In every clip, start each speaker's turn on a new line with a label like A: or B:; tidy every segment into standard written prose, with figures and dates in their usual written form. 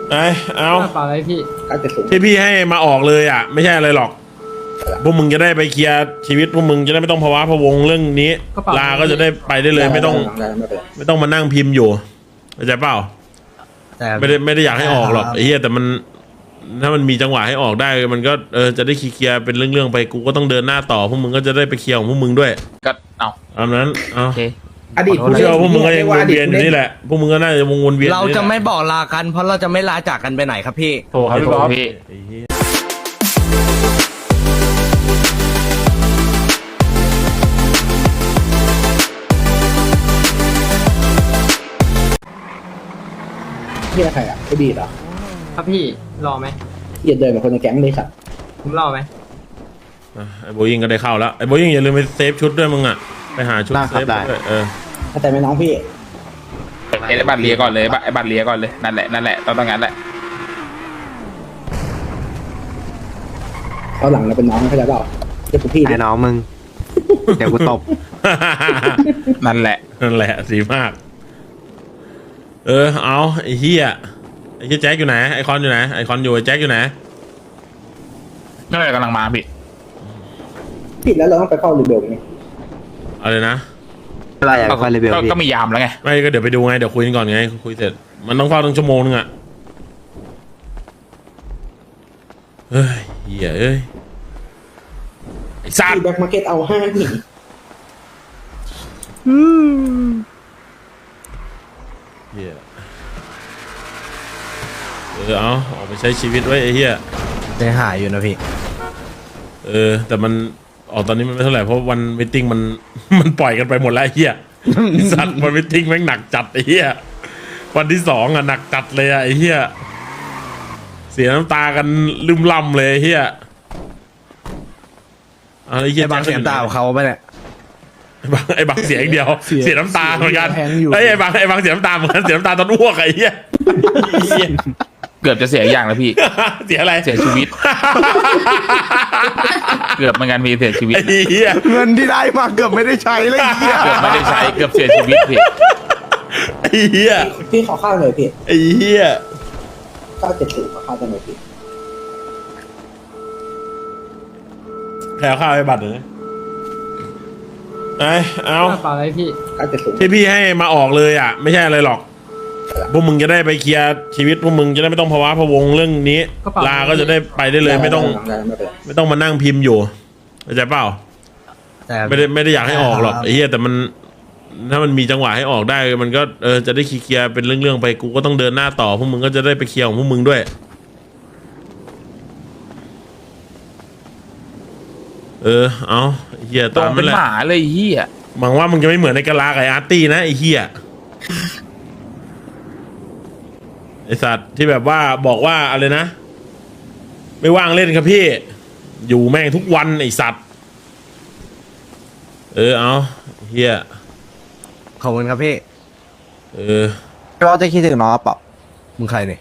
A: ไอ้เอา
B: เปล่าอะไรพี่
A: ที่พี่ให้มาออกเลยอ่ะไม่ใช่อะไรหรอกพวกมึงจะได้ไปเคลียร์ชีวิตพวกมึงจะได้ไม่ต้องภาวะพะวงเรื่องนี้ลาก็จะได้ไปได้เลยไม่ต้องมานั่งพิมพ์อยู่เข้าใจเปล่าไม่ได้อยากให้ออกหรอกไอ้เหี้ยแต่มันถ้ามันมีจังหวะให้ออกได้มันก็จะได้เคลียร์เป็นเรื่องๆไปกูก็ต้องเดินหน้าต่อพวกมึงก็จะได้ไปเคลียร์ของพวกมึงด้วย
C: ก็เอา
A: ตามนั้นเอา
C: โอเค
D: อดีต
A: กูเชื่อว่าพวกมึงก็ยังวนเวียนอยู่นี่แหละพวกมึงก็น่าจะวนเวียน
E: เราจะไม่บอกลากันเพราะเราจะไม่ลาจากกันไปไหนครับพี่
C: โทรครับพี่บ๊อบ
A: ไอ้เหี้ย
D: ที่ใครอ่ะไอ้บีดเหรอ
B: ครับพี่รอไหม
D: เหี้ยเดินกับคนในแก๊งเลยสัตว์
B: ผมรอไหม
A: ไอ้โบยิงก็ได้เข้าแล้วไอ้โบยิงอย่าลืมไปเซฟชุดด้วยมึงอ่ะไปหาชุดเซฟด้วย
D: เข้าใจไหมน้องพี่
C: ไอ้บัตรเลียก่อนเลยไอ้บัตรเลียก่อนเลยนั่นแหละต้องงั้นแหละ
D: เขาหลังเราเป็นน้องเข้าใจเปล่าเจ้าพี่
E: ไอ้น้องมึง เดี๋ยวกูตบ
C: นั่นแหละ
A: สีมากเอาไอ้เหี้ยไอ้เหี้ยแจ็คอยู่ไหนไอคอนอยู่ไหนไอคอนอยู่ไอ้แจ็คอยู่ไหน
C: นั่นแหละกำลังมาพี่
D: ผิดแล้วเราต้องไปเฝ้ารีเบลไง
A: อะไรนะ
E: อะไรอ่ะคอนเลเวลพี่
C: ก็มียามแล้วไง
A: ไม่ก็เดี๋ยวไปดูไงเดี๋ยวคุยกันก่อนไงคุยเสร็จมันต้องเฝ้าตั้งชั่วโมงนึงอ่ะเฮ้ยเหี้ยเอ้ยไอ้สัตว์
D: แบ็คมาร์เก็ตเอาห้าหนี
A: เหี้ยเอาออกไปใช้ชีวิตไว้ไอ้เหี้ย
E: ใจหายอยู่นะพี่
A: แต่มันออกตอนนี้มันไม่เท่าไหร่เพราะวันมิทติ้งมันปล่อยกันไปหมดแล้วไอ้เหี้ย สัตว์วันมิทติ้งแม่งหนักจัดไอ้เหี้ยวันที่2อ่ะหนักจัดเลยอ่ะไอ้เหี้ยเสียน้ำตากันลืมล่ำเลยไอ้เหี้ยอะไรเหี้ย
E: ไอ้บางเสียงตาของเขาไปเนี่ย
A: ไอ้บางเสียงเดียวเสียน้ำตาเหมือนกันไอ้บางเสียน้ำตาเหมือนกันเสียน้ำตาตอนอ้วกไอ้เหี้ย
C: เกือบจะเสียอย่างแล้วพี่
A: เสียอะไร
C: เสียชีวิต เกือบเหมือนกันพี่เสียชีวิต
A: ไอ้เหี้ย
E: เงินที่ได้มาเกือบไม่ได้ใช้เลยเหี้ย
C: เกือบไม่ได้ใช้เกือบเสียชีวิตพี่
A: ไอ้เหี้ย
D: พี่ขอข้าวหน่อยพี่
A: ไอ้เหี้ย
D: 970ขอข้าวหน่อยพี่
A: แพ้ข้าวไอ้บัตรเลยเอา
B: เปล่าอะไรพี่
D: 970
A: ที่พี่ให้มาออกเลยอ่ะไม่ใช่อะไรหรอกพวกมึงจะได้ไปเคลียร์ชีวิตพวกมึงจะได้ไม่ต้องภาวะพะวงเรื่องนี้ลาก็จะได้ไปได้เลยไม่ต้องมานั่งพิมพ์อยู่เข้าใจเปล่าไม่ได้อยากให้ออกหรอกไอ้เหี้ยแต่มันถ้ามันมีจังหวะให้ออกได้มันก็จะได้เคลียร์เป็นเรื่องๆไปกูก็ต้องเดินหน้าต่อพวกมึงก็จะได้ไปเคลียร์ของพวกมึงด้วยเอาไอ้เหี้ย
C: ตร
A: ตาม
C: งเป็
A: นั่
C: น
A: นแหละ
C: หมาเลยเฮีย
A: หวังว่ามึงจะไม่เหมือนในกะลากับไอ้อาร์ตี้นะไอ้เหี้ยไอสัตว์ที่แบบว่าบอกว่าอะไรนะไม่ว่างเล่นครับพี่อยู่แม่งทุกวันไอสัตว์เอาเฮีย
E: ขอบคุณครับพี่
F: เราจะคิดถึงน้องเปล่า
E: มึงใครเนี่ย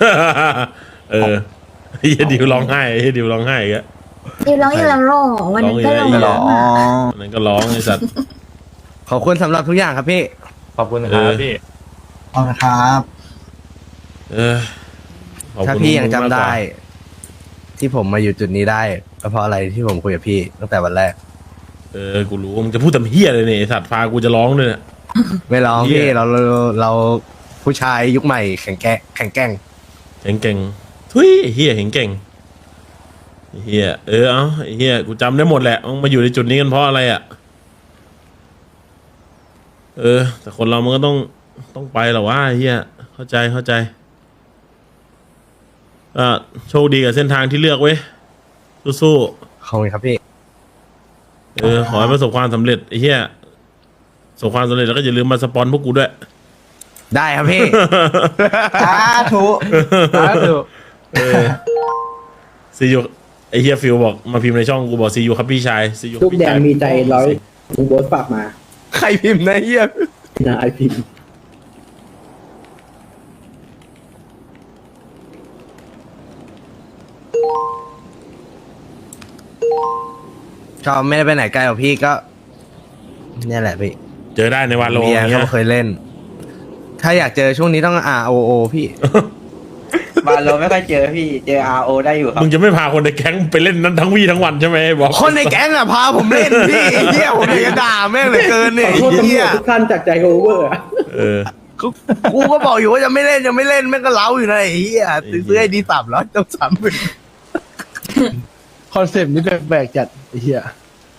A: เฮียดิวร้องไห้เฮียดิวร้องไห้อีกอะ
G: ดิวร้องอีกแล้วหรอวันนั้นก็ร้อง
A: ร้
G: แล้
A: อง
G: ว
A: อีก
G: อะ
A: วันนั้นก็ร้องไอสัตว์
E: ขอบคุณสำหรับทุกอย่างครับพี่
C: ขอบคุณครับพี่
F: ขอบคุณครับ
A: ขอบคุณ
E: ถ้าพี่ยังจำ
A: มากกว่า
E: ได้ ที่ผมมาอยู่จุดนี้ได้ก็เพราะอะไรที่ผมคุยกับพี่ตั้งแต่วันแรก
A: กูรู้มึงจะพูดแต่เฮียเลยเนี่ยไอสัตว์พากูจะร้องด้วยเนี่ย
E: ไม่ร้อง
A: เหี้
E: พี่
A: ย
E: เราผู้ชายยุคใหม่แข็งแกร่ง
A: เก่งทุยไอ้เฮียเห็นเก่งไอ้เฮียเอาไอ้เฮียกูจำได้หมดแหละมึงมาอยู่ในจุดนี้กันเพราะอะไรอ่ะแต่คนเรามันก็ต้องไปหรอวะไอ้เฮียเข้าใจโชคดีกับเส้นทางที่เลือกเว้ยสู้
E: ขอบคุณครับพี่
A: ๆขอให้ประสบความสำเร็จไอ้เฮียประสบความสำเร็จแล้วก็อย่าลืมมาสปอนพวกกูด้วย
E: ได้ครับพี่
F: สาธุ
A: ซียูไอเฮียฟิลบอกมาพิมพ์ในช่องกูบอกซียูครับพี่ชายซียู
D: ลูกแดงมีใจร้อยลุงโบ๊ทฝากมา
E: ใครพิมพ์นะเฮีย
D: นายพิมพ์
E: ก็ไม่ได้ไปไหนไกลหรอกพี่ก็เนี่ยแหละพี่
A: เจอได้ในวันโล
E: เมีย
A: เงี้
E: เขา
A: ย
E: เคยเล่น ถ้าอยากเจอช่วงนี้ต้อง ROO พี่
F: มาโลไม่ค่อยเจอพี่เจอ RO ได้อยู่ครับ
A: มึงจะไม่พาคนในแก๊งไปเล่นนั้นทั้งวี่ทั้งวันใช่ไหมบอก
E: คนในแก๊งอะพาผมเล่นพี่ไอ้เหี้ยผมอยากจะด่าแม่งเหลือเกิน
D: ข
E: เนี่ย
D: อ
E: ไอ้
D: โทษตำร
E: เหี้
D: วย จทุกท่านจากใจโอเวอร์อะ
A: เออ
E: กูก็บอกอยู่ว่าจะไม่เล่นแม่งก็เล้าอยู่นะไอ้เหี้ยซื้อไอ้ดี3แล้วต้อง30,000
H: คอนเซปต์นี้แปลกๆจัดไอ้เหี้ย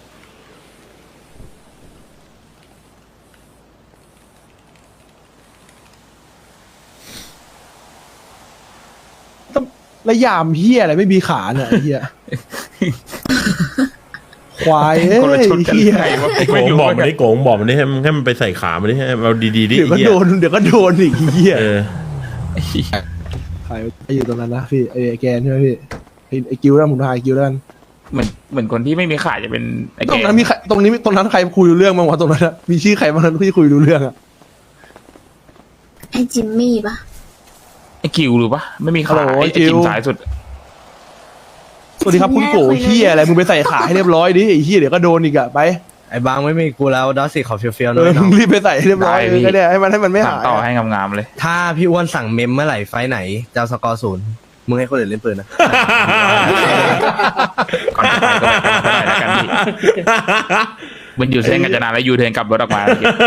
H: ต้องระยามเหี้ยอะไรไม่มีขาเนี่ยไอ้เหี้ยควายเอ้
C: คนละ
H: ย
C: ชุดกัน
H: เหี้ย
C: ไงวะ
A: ไอ้โกงบอกมันดิโกงบอกมันดิให้มันไปใส่ขามันดิให้เอาดีๆดิ
H: เดี๋ยวก็
A: ไอ้เหี้ย
H: โดนอีกเหี้ย
A: เออ
H: ใครอยู่ตรงนั้นนะพี่ไอ้แกนใช่ไหมพี่ไอ้กิ้วแล้วผมทายกิ้วแล้วกัน
C: เหมือนคนที่ไม่มีขาจะเป็นไอ้
H: ตร
C: แก
H: งนั้นมีใครตรงนั้นใครคุยรู้เรื่องบ้างวะตรงนั้นอะมีชื่อใครบ้างนั้นที่คุยรู้เรื่องอะ
G: ไอ้จิมมี่ปะ
C: ไอ้กิวหรือปะไม่มีขา
H: ฮัลโหล
C: ไอ้
H: กิว
C: กิวสายสุด
H: สวัสดีครับคุณโกเหี้ยอะไรมึงไปใส่ขาให้เรียบร้อยดิไอ้เหี้ยเดี๋ยวก็โดนอีกอะไป
E: ไอ้บางไม่มีกูแล้วดอสซี่ขอเฟี้ยวๆห
H: เอ
E: น่อ
H: อย มึงรีบไปใส่ให้เรียบร้อย
C: ได้พี่
H: ก็ได้ให้มันไม่
C: สั่ง
H: หาย
C: ต่อ
H: อะ
C: ให้งามๆเลย
E: ถ้าพี่อ้วนสั่งเมมเมื่อไหร่ไฟท์ไหนจะเอาสกอร์0มึงให้คนอื่นเล่นปืนนะ
C: ก่อนจะไปก็ไปแล้วกันพี่มันอยู่เส้นกัญจนาแล้วยูเทิร์นกลับรถออกมา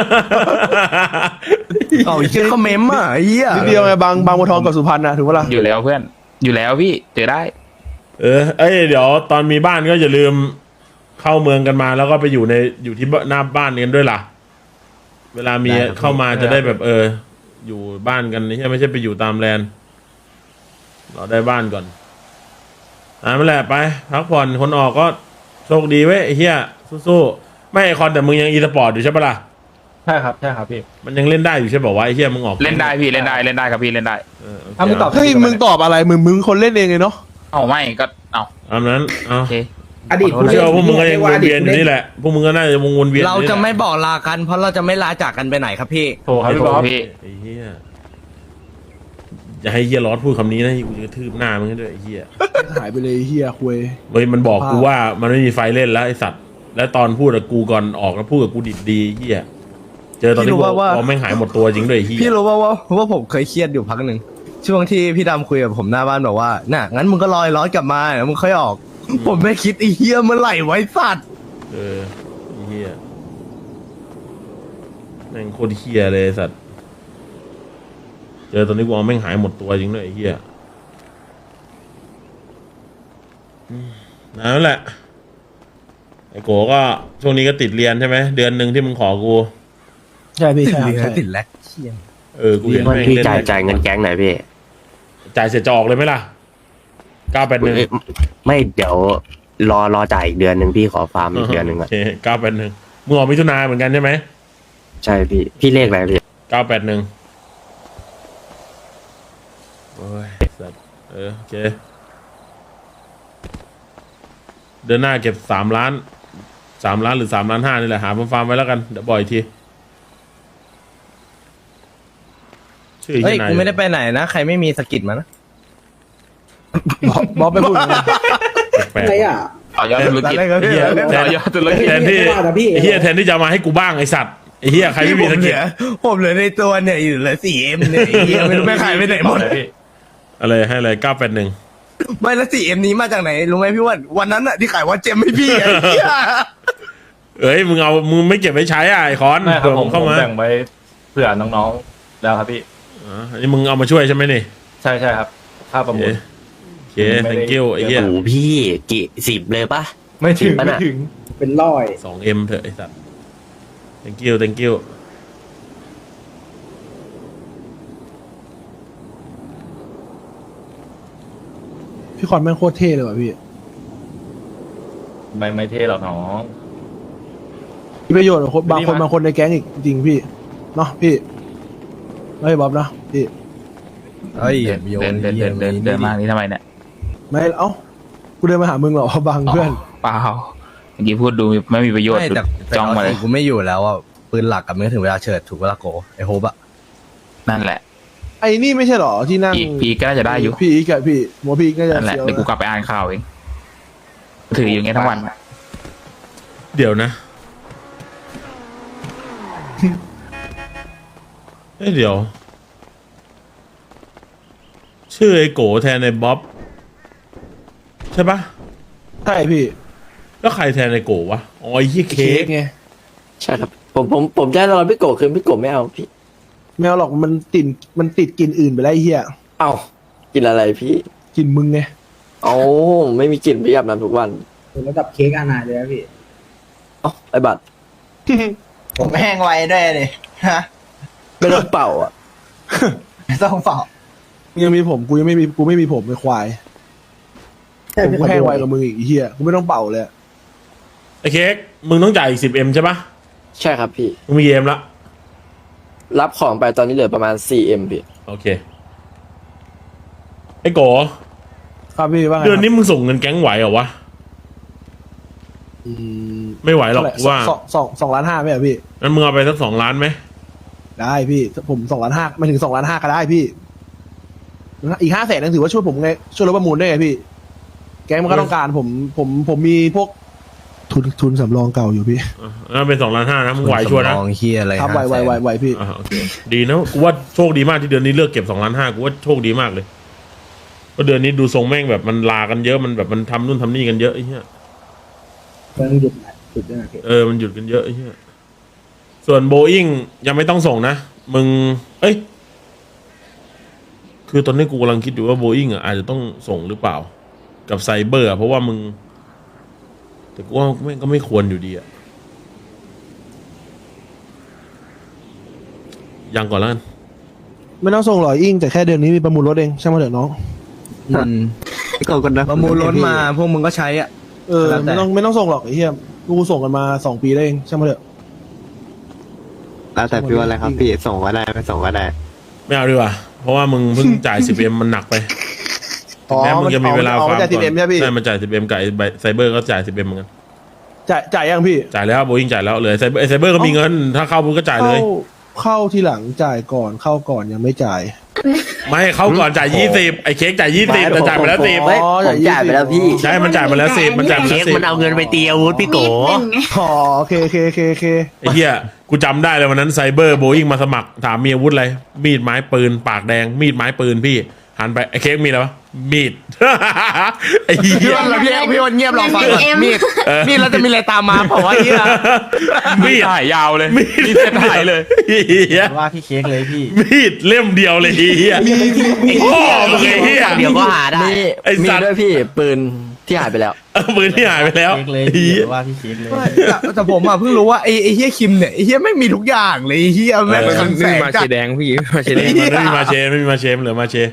E: เอาอีกเช่นเขาเมมอ่ะไอ้เหี้ย
H: นิดเดียวไงบางบัวทองกับสุพรรณนะถูกปะล่ะ
C: อยู่แล้วเพื่อนอยู่แล้วพี่เจอได้
A: เอ้ยเดี๋ยวตอนมีบ้านก็อย่าลืมเข้าเมืองกันมาแล้วก็ไปอยู่ที่หน้าบ้านกันด้วยล่ะ เวลามีเข้ามาจะได้แบบอยู่บ้านกันไม่ใช่ไปอยู่ตามแลนด์เราได้บ้านก่อนนั่นแหละไปพักผ่อนคนออกก็โชคดีเว้ยไอ้เหี้ยสู้ๆไม่ไอคอนแต่มึงยังอีสปอร์ตอยู่ใช่ปะล่ะ
B: ใช่ครับพี่
A: มันยังเล่นได้อยู่ใช่ป่าววะไอ้เหี้ยมึงออก
C: เล่นได้พี่เล่นได้ครับพี่เล่นได้
A: โอเค
B: ถ้ามึงตอบ
H: เฮ้ยมึงตอบอะไรมึงคนเล่นเองเลยเนาะ
C: เอาไม่ก็เอา
A: ตามนั้นเอา
C: โอเค
D: อดีต
A: ผมเชื่อว่าพวกมึงก็ยังวนเวียนอยู่นี่แหละพวกมึงก็น่าจะวนเวียน
E: เราจะไม่บอกลากันเพราะเราจะไม่ลาจากกันไปไหนครับพี่
B: โทรครับพี่บอส
C: พี่
A: ไอ้เหี้ยอย่าให้เหี้ยร้อนพูดคำนี้นะกูจะกระทืบหน้ามึงให้ด้วยไอ้เหี้ย
H: หายไปเลยไอ้เหี้ยคุย
A: เฮ้ยมันบอกกูว่ามันไม่มีไฟเล่นแล้วไอ้สัตว์และตอนพูดกับกูก่อนออกแล้วพูดกับกูดิบดีไอ้เหี้ยเจอตอนที่
E: พี่รู้
A: กู
E: ว่า
A: แม่งหายหมดตัวจริงด้วยไอ้เหี้ย
E: พี่รู้ว่าผมเคยเครียดอยู่พักหนึ่งช่วงที่พี่ดำคุยกับผมหน้าบ้านบอกว่าน่ะงั้นมึงก็ลอยร้อนกลับมาแล้วมึงค่อยออก ผมไม่คิดไอ้เหี้ยเมื่อไหร่ไว้สัตว์
A: ไอ้เหี้ยแม่งโคตรเหี้ยเลยไอ้สัตว์เจอตอนนี้กูเอาแม่งหายหมดตัวจริงด้วยไอ้เหี้ยนั่นแหละไอ้โกก็ช่วงนี้ก็ติดเรียนใช่ไหมเดือนหนึ่งที่มึงขอกู
H: ใช่พี่ใช่
E: ติด
H: ใช่
E: ติดแล้วเชี่ย
A: กูเห็นแม่ง
I: พี่
A: เล่น
I: จ่ายเงินแก๊งหน่อยพี่
A: จ่ายเสร็จจะออกเลยไหมล่ะ981
I: ไม่เดี๋ยวรอจ่ายอีกเดือนหนึ่งพี่ขอฟาร์มอีกเดือนหนึ่ง
A: โอ
I: อ่ะ
A: เค981มึงออกมิถุนาเหมือนกันใช่ไหม
I: ใช่พี่เลขอะไรพี่
A: 981โอ้ยสัตว์โอเคเดือนหน้าเก็บ3 ล้านหรือ3.5 ล้านนี่แหละหาฟาร์มไว้แล้วกันเดี๋ยวบ่อยทีชื่อ
E: เฮ้ย
A: ที่ไหน
E: กูไม่ได้ไปไหนนะใครไม่มีสกิดมานะ
H: บอสไปพูดอย่างนั้น
A: แปลก
D: อะไรอ่ะ
C: ต่อยอดธุรกิจ
E: อะไรครับพี่
C: ต่อยอดธุรกิจ
A: แทนที่
D: ไม่ว่านะพี่
A: ไอ้เฮียแทนที่จะมาให้กูบ้างไอสัตว์ไอเฮียใครไม่มีสกิล
E: ผมเหลือในตัวเนี่ยอยู่เหลือ 4M เนี่ยไอ้เหี้ยไม่รู้ไม่ขายไปไหนหมด
A: อะไรให้อะไร981
E: ไม่แล้ว 4M นี้มาจากไหนรู้ไหมพี่อ้วันนั้นอะที่ขายว่าเจมให้พี่ไอ้เหี้ย
A: เอ้ยมึงไม่เก็บไว้ใช้อ่ะไอคอน
B: ไม่ครับ
A: เผื่อผมเข้ามา
B: แบ่งไว้เผื่อน้องๆแล้วครับพี่
A: อันนี้มึงเอามาช่วยใช่ไหมนี่
B: ใช่ครับค่าประมูล
A: โอเค thank you ไอ้เหี้ย
I: โอ้โหพี่กี่10เลยปะ
B: ไม่ถึง
I: ปะน่ะ
D: เป็นร้อย
A: 2M เถอะไอ้สัตว์ thank you
H: พี่คอนแม่งโคตรเท่เลยว่ะพี่
B: ไม่เท่หรอกน้อง
H: มีประโยชน์กับคนบางคนในแก๊งอีกจริงพี่เนาะพี่ไม่บ๊อบเนาะพี่
E: เฮ้ย
C: เดินมานี่ทำไมเนี่ย
H: ไม่เอ้ากูเดินมาหามึงเหรอบางเพื่อน
C: เปล่าเมื่อกี้พูดดูไม่มีประโยชน์
E: ไม่แต่
C: จ้องมาเลย
E: กูไม่อยู่แล้วอ่ะปืนหลักกับมันก็ถึงเวลาเฉิดถูกเวลาโกไอ้โฮบอะ
C: นั่นแหละ
H: ไอ้นี่ไม่ใช่เหรอที่นั่ง
C: พีก็น่าจะได้อยู่
H: พี่อีกอะพี่หมอพี่อีกน่าจะ
C: นั่นแหละ
H: เสียว
C: เดี๋ยวกูกลับไปอ่านข่าวเองถืออย่างเงี้ยทั้งวัน
A: เดี๋ยวนะ เดี๋ยวชื่อไอ้โกแทนไอ้บ๊อบใช่ปะ
H: ใช่พี่
A: แล้วใครแทนไอ้โกวะอ๋อไอ้ที่เค้ก
H: ไง
F: ใช่ครับ ผมจะให้เราพี่โกคือพี่โกไม่เอาพี่
H: ไม่เอาหรอกมันติดกลินอื่นไปแล้วไอ้เหี้ย
F: เอากินอะไรพี่
H: กลินมึงไง
F: เอาไม่มีกลิ่นพี่อาบน้ำทุกวัน
D: ระดับเค้กอาณาเลยนะพี่
F: เอ้าไอ้บัตร
D: ผมแห้งไวด้วยเลยฮะ
F: ไม่ต้องเป่าอ่ะ
D: ไม่ต้องเปล่า
H: ยังมีผมกูไม่มีผมไม่ควายผมกูแห้งไวกับมึงอีกไอ้เหี้ยกูไม่ต้องเป่าเลยอะ
A: ไอ้เค้กมึงต้องจ่ายอีก10M ใช่ปะ
F: ใช่ครับพี่
A: มึงมีเอ็มละ
F: รับของไปตอนนี้เหลือประมาณ 4M พี่
A: โอเคไอ้โก
H: ครับพี่ว่าไง
A: เดือนนี้มึงส่งเงินแก๊งไหวเหรอวะ
H: อืม
A: ไม่ไหวหรอก
H: เท่าไหร่
A: ว่า
H: สองล้านห้าไหมอะพี่
A: งั้นมึงเอาไปสัก2 ล้านไหม
H: ได้พี่ผม2.5 ไม่ถึง2.5ก็ได้พี่อีก500,000นั่นถือว่าช่วยผมไงช่วยลดประมูลได้ไงพี่ แก๊งมันก็ต้องการผมมีพวกทุนสำรองเก่าอยู่พี่
A: งั้นเป็น2.5 ล้านนะมึงไหวชัวร์นะ
E: สำรองเฮียอะไร
H: ครับ
E: 500,000
H: ไหวพี่
A: โอเคดีนะกูว่าโชคดีมากที่เดือนนี้เลือกเก็บ2.5 ล้านกูว่าโชคดีมากเลยเพราะเดือนนี้ดูทรงแม่งแบบมันลากันเยอะมันแบบมันทำนู่นทำนี่กันเยอะไอ้เหี้ย
D: มันหยุดด้วยนะพี่
A: มันหยุดกันเยอะไอ้เหี้ยส่วนโบอิงยังไม่ต้องส่งนะมึงเอ้ยคือตอนนี้กูกำลังคิดอยู่ว่าโบอิงอ่ะอาจจะต้องส่งหรือเปล่า กับไซเบอร์อะเพราะว่ามึงแต่กูว่าแม่งก็ไม่ควรอยู่ดีอะยังก่อนแล้วกัน
H: ไม่ต้องส่งหรอกอิงแต่แค่เดือนนี้มีประมูลรถเองช่างมาเถอะน้อง
E: ประมูลรถมาพวกมึงก็ใช้อ่ะ แล้วแต่
H: ไม่ต้องส่งหรอกไอ้เหี้ยกูส่งกันมา2 ปีแล้วเองช่างมาเถอะ
I: แล้วแต่พี่ว่าอะไรครับพี่ส่งก็ได้ไม่ส่งก็ได้
A: ไม่เอาดีกว่าเพราะว่ามึงเพิ่งจ่าย 10M มันหนักไปถึงแม้มึงจะมีเวลา
H: อ๋อ
A: ฟาร์ม
H: มันจ่าย 10M ใช่ไหมพี่
A: ใช่มันจ่าย 10M กับไอ้ไซเบอร์ก็จ่าย 10M เหมือนกัน
H: จ่ายยังพี่
A: จ่ายแล้วโบอิงจ่ายแล้วเลยไซเบอร์ก็มีเงินถ้าเข้ามึงก็จ่ายเลย
H: เข้าทีหลังจ่ายก่อนเข้าก่อนยังไม่จ่าย
A: ไม่เข้าก่อนจ่าย20ไอ้เค้กจ่าย20แต่จ่ายไปแล้ว10
F: ผมจ่ายไปแล้วพี่
A: ใช่มันจ่ายไปแล้ว10มันจ่ายไปแล้ว10
I: มันเอาเงินไปตีอาวุธพี่โก
G: นิดนึงไง
H: อ๋อโอเค
A: ไอ้เหี้ยกูจำได้เลยวันนั้นไซเบอร์โบอิงมาสมัครถามมีอาวุธอะไรมีดไม้ปืนปากแดงมีดไม้ปืนพี่หันไปไอ้เค้กมีอะไรวะมีด ไอ้เหี้ย
E: พี่วันเงียบรอฟังก่อนมีดแล้วจะมีอะไรตามมาเปล่าวะเฮีย
A: มีด
C: ถ่ายยาวเลย
A: มีด
C: มีเส้นถ่ายเลย
A: เหี้ย
F: ว่าพี่เค้กเลยพี่
A: มีดเล่มเดียวเลยเฮียพ่อมึงไอ้เฮีย
I: เดี๋ยวก็หาได้
A: ไอ้
F: มี
A: สัตว์
F: ด้วยพี่ปืนที่หายไปแล้ว
A: ปืนที่หายไปแล้วเฮีย
F: ว่าพี่เค้กเลย
E: แต่ผมอ่ะเพิ่งรู้ว่าไอ้เฮียคิมเนี่ยไอ้เฮียไม่มีทุกอย่างเลยไอ้เฮียแม่งมันแสงจัด
A: มันไม่มีมาเชไม่มีมาเชเหลือมาเช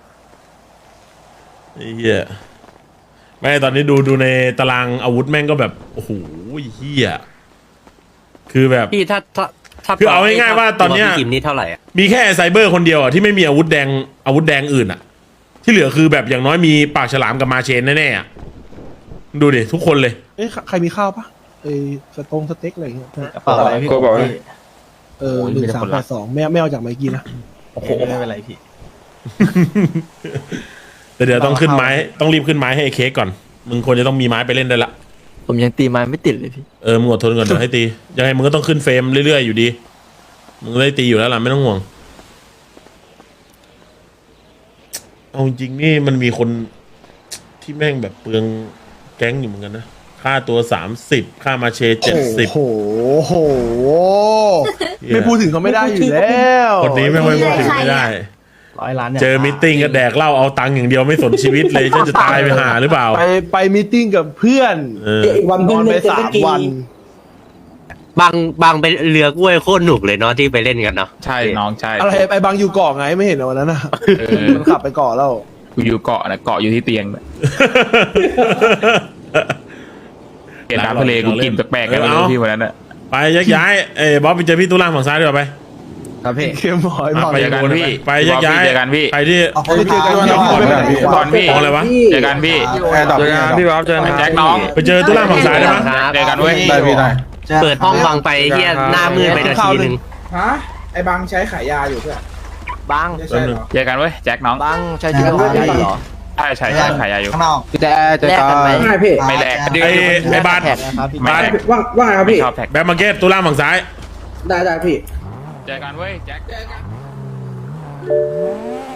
A: ไอ้เฮียไม่ตอนนี้ดูในตารางอาวุธแม่งก็แบบโอ้โหเฮียคือแบบ
I: พี่ถ้า
A: คือเอาง่ายๆว่าตอนเนี้ย
I: พี่กิมนี่เท่าไหร่อ่ะ
A: มีแค่ไซเบอร์คนเดียวอ่ะที่ไม่มีอาวุธแดงอื่นอ่ะ ที่เหลือคือแบบอย่างน้อยมีปากฉลามกับมาเชนแน่ๆอ่ะดูดิทุกคนเลย
H: เอ้ยใครมีข้าวปะสเต็กอะไรอย่างเงี้ย
F: กระเป๋าอะไรพี่โกบอกพี่
H: 1382ไม่เอาจากไมกี้นะ
F: โอ้โหไม่เป็นไรพี่
A: แต่เดี๋ยวต้องขึ้นไม้ต้องรีบขึ้นไม้ให้ไอ้เค้กก่อนมึงควรจะต้องมีไม้ไปเล่นได้ละ
F: ผมยังตีไม้ไม่ติดเลยพี่
A: มึงอดทนก่อนเดี๋ยวให้ตียังไงมึงก็ต้องขึ้นเฟรมเรื่อยๆอยู่ดีมึงได้ตีอยู่แล้วล่ะไม่ต้องห่วงเอาจริงๆนี่มันมีคนที่แม่งแบบเปลืองแก๊งอยู่เหมือนกันนะค่าตัว30ค่ามาเช70
H: โอ้โหไม่พูดถึงเขาไม่ได้อยู่แล้ว
A: คนนี้แม่งไม่พูดถึงไม่ได้
F: 100 ล้าน
A: เจอมิทติ้งก็แดกเหล้าเอาตังค์อย่างเดียวไม่สนชีวิตเลยจะตายไปหาหรือเปล่า
H: ไปมีตติ้งกับเพื่อน
D: วัน
H: น
D: เพิ่
H: อง น
D: เล่
H: ไป
D: นเจ็ตสกี
H: 3 วัน
I: บางไปเรือกล้วยโคตรหนุกเลยเนาะที่ไปเล่นกันเนาะ
C: ใช่น้องใช่
H: อะไรไอ้บางอยู่เกาะไงไม่เห็นเหรอวันนั้นน่ะมันขับไปเกาะแล้ว
C: กูอยู่เกาะนะเกาะอยู่ที่เตียงเนี่ยเห็นน้ำทะเลกูกินแปลกๆกันเลยพี่วันนั้นอะ
A: ไปยักย้ายบ๊อบไปเจอพี่ตุ้ล่างฝั่งซ้ายดีกว่าไป
E: ครับพี่
H: เข้มหอยบอก
A: ไป
C: เจอกันพี่
A: ไปยักย้าย
C: เจอกันพี่
A: ใครที่
H: ไปเจอกันที่
C: ก่อนพี่
A: ของอะไรวะ
C: เจอกันพี่
D: เจอกันพี่บ๊อบเจอกัน
C: แจ็คน้อง
A: ไปเจอตุ้ล่างฝั่งซ้ายได้ไหม
C: เจอกันเว้ย
D: ได้พี่ได้
I: เปิดห้องบังไปเฮียหน้ามืดไปนาทีนึง
D: ฮะไอ้บางใช้ขายยาอยู่เพื่อน
F: บัง
D: ไม่ใช่เหรอ
C: เจอกันเว้ยแจ็คน้อง
F: บังใช่จริงเหรอ
C: ใช่ใช่ใช่ขายยาอยู่
D: ข้างนอก
F: แลกกันไหม
D: ไม่พี่
C: ไม่แลก
A: ไอ้บาส
F: แท็กนะครับพี่
A: บาส
D: ว่าไงครับ
C: ไม่
D: พี่
C: ชอบแท็ก
A: แบ็คมาร์เก็ตตุ้ล่างฝั่งซ้าย
D: ได้พี่
C: เจอกันเว้ยแจ็ค